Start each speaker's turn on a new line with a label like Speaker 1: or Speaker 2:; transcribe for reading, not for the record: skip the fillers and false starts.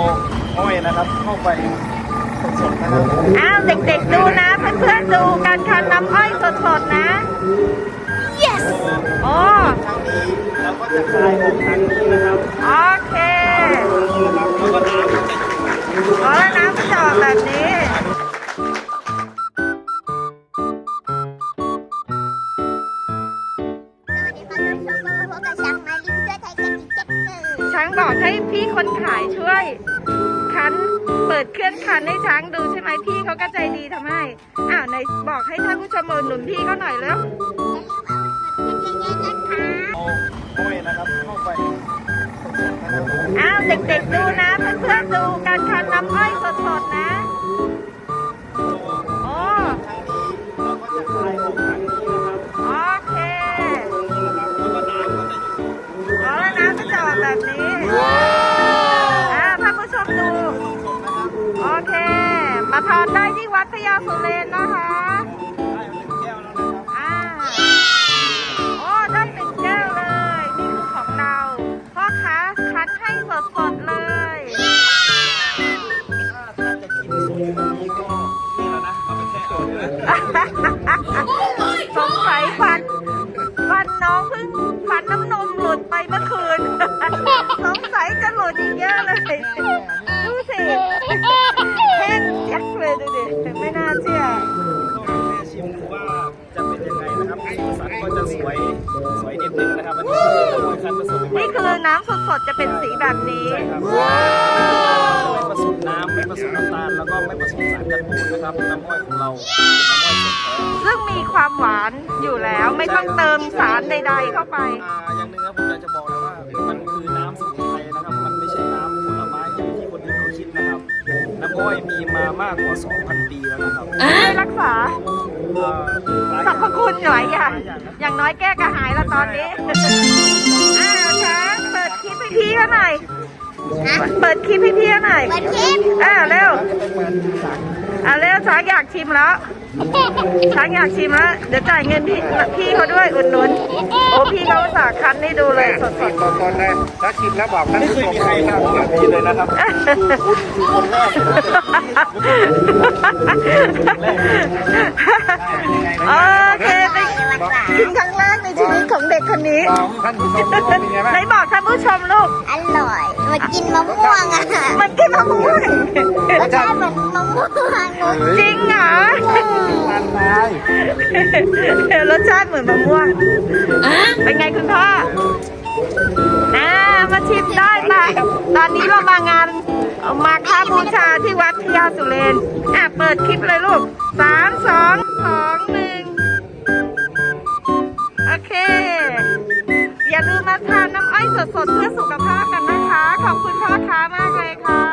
Speaker 1: อ้อยนะครับเข้าไปสดๆนะครับ
Speaker 2: อ้าวเด็กๆดูนะเพื่อนๆดูการคั้นน้ำอ้อยสดๆนะ yes โอ้
Speaker 1: ทางนี้เราก็จะคลายออกทางนี้นะครับ
Speaker 2: โอเค
Speaker 1: แล้วก็น้ำก็จะ
Speaker 2: อ๋อแล้วน้ำมันจะออกแบบนี้ช้างบอกให้พี่คนขายช่วยคั้นเปิดเครื่องคั้นให้ช้างดูใช่ไหมพี่เขาก็ใจดีทำให้อ้าวไหนบอกให้ท่านผู้ชมหนุนพี่เขาหน่อยแล้ว
Speaker 1: อ้อยนะครับเข้าไปสดๆนะครับ
Speaker 2: อ้าวเด็กๆดูนะเพื่อนๆดูการคั้นน้ำอ้อยสดๆนะโอ้
Speaker 1: ทางนี้เราก็จะคลายออกทางนี้นะครับ
Speaker 2: โอเค
Speaker 1: แล้วก็น้ำก็จะ
Speaker 2: อ๋อแล้วน้ำมันจะออกแบบนี้ท่านผู้ชมดูโอเค มาทานได้ที่วัดพญาสุเรนนะคะ
Speaker 1: ได้1 แก้วแล้วนะครับ
Speaker 2: โอ้ได้1 แก้วเลย นี่คือของเราพ่อค้าคั้นให้สดๆเลย
Speaker 1: ถ้าจะกินสดแบบนี้ก็นี่แล้วนะเอาไปแช่เอาเลย
Speaker 2: สงสัยฟันน้องเพิ่งฟันน้ำนมหลุดไปเมื่อคืน สงสัยจะหลุดอีกเยอะเลย ดูสิแห้งแจ็คเลยดูดิไม่น่าเชื่อ
Speaker 1: ก็แม่ชิมดูว่าจะเป็นยังไงนะครับสีสันก็จะสวยนิดนึงนะครับอันนี้คือน้ำอ้อยคั้นผสมใหม่
Speaker 2: นี่คือน้ำสดๆจะเป็นสีแบบนี้
Speaker 1: ใช่ครับไม่ผสมน้ำไม่ผสมน้ำตาลแล้วก็ไม่ผสมสารกันบูดนะครับน้ำอ้อยของเราเป็นน้ำอ้อยสดแท้
Speaker 2: ซึ่งมีความหวานอยู่แล้วไม่ต้องเติมสารใดๆเข้าไป
Speaker 1: อย่างหนึงครับผมอยากจะบอกเลยว่ามันคือน้ำสมุนไพรนะครับ มันไม่ใช่น้ำผลไม้อย่างที่คนอื่นเขาคิดนะครับ น้ำอ้อยมีมามากกว่า 2,000 ปีแล้วนะครับ
Speaker 2: ช่วยรักษา
Speaker 1: หลาย
Speaker 2: สรรพคุณหลายอย่าง
Speaker 1: หลายนะ
Speaker 2: อย่างน้อยแก้กระหายแล้วตอนนี้ อ้าวช้างเปิดคลิปให้พี่เขาหน่อยเปิดคลิปให้พี่เขาหน่อย
Speaker 3: เปิดคลิป
Speaker 2: เร็ว
Speaker 1: จะไปเปิดสาร
Speaker 2: เร็วช้างอยากชิมแล้วช้างอยากชิมแล้วเดี๋ยวจ่ายเงินพี่เขาด้วยอุดหนุนโอ้พี่เขาอุตส่าห์คั้นให้ดูเลยสด
Speaker 4: ตอนเลยถ้าชิมแล้วบอกท่าน
Speaker 1: ไม่
Speaker 4: ผู้
Speaker 1: เคย
Speaker 4: ชม
Speaker 1: มีใครทำแบบนี้เลยนะครับ คนแรก
Speaker 2: ๆโอเคไปกินครั้งแรกในชีวิตของเด็กคนนี้
Speaker 4: บอกท่านผู้ชมว่าเป็นไงบ้าง
Speaker 2: ไหนบอกท่านผู้ชมลูก
Speaker 3: อร่อยมากินมะม่วงอ่ะ
Speaker 2: มันกินมะม่วง
Speaker 3: รสชาติเหมือนมะม่วง
Speaker 2: จริงเหรอ
Speaker 4: ทานได้
Speaker 2: รสชาติเหมือนมะม่วงเป็นไงคุณพ่อมาชิมได้ปะตอนนี้เรามางานมาค่าบูชาที่วัดพญาสุเรนเปิดคลิปเลยลูก3 2 2 1โอเค อย่าลืมมาทานน้ำอ้อยสดๆเพื่อสุขภาพกันนะคะ ขอบคุณพ่อค้ามากเลยค่ะ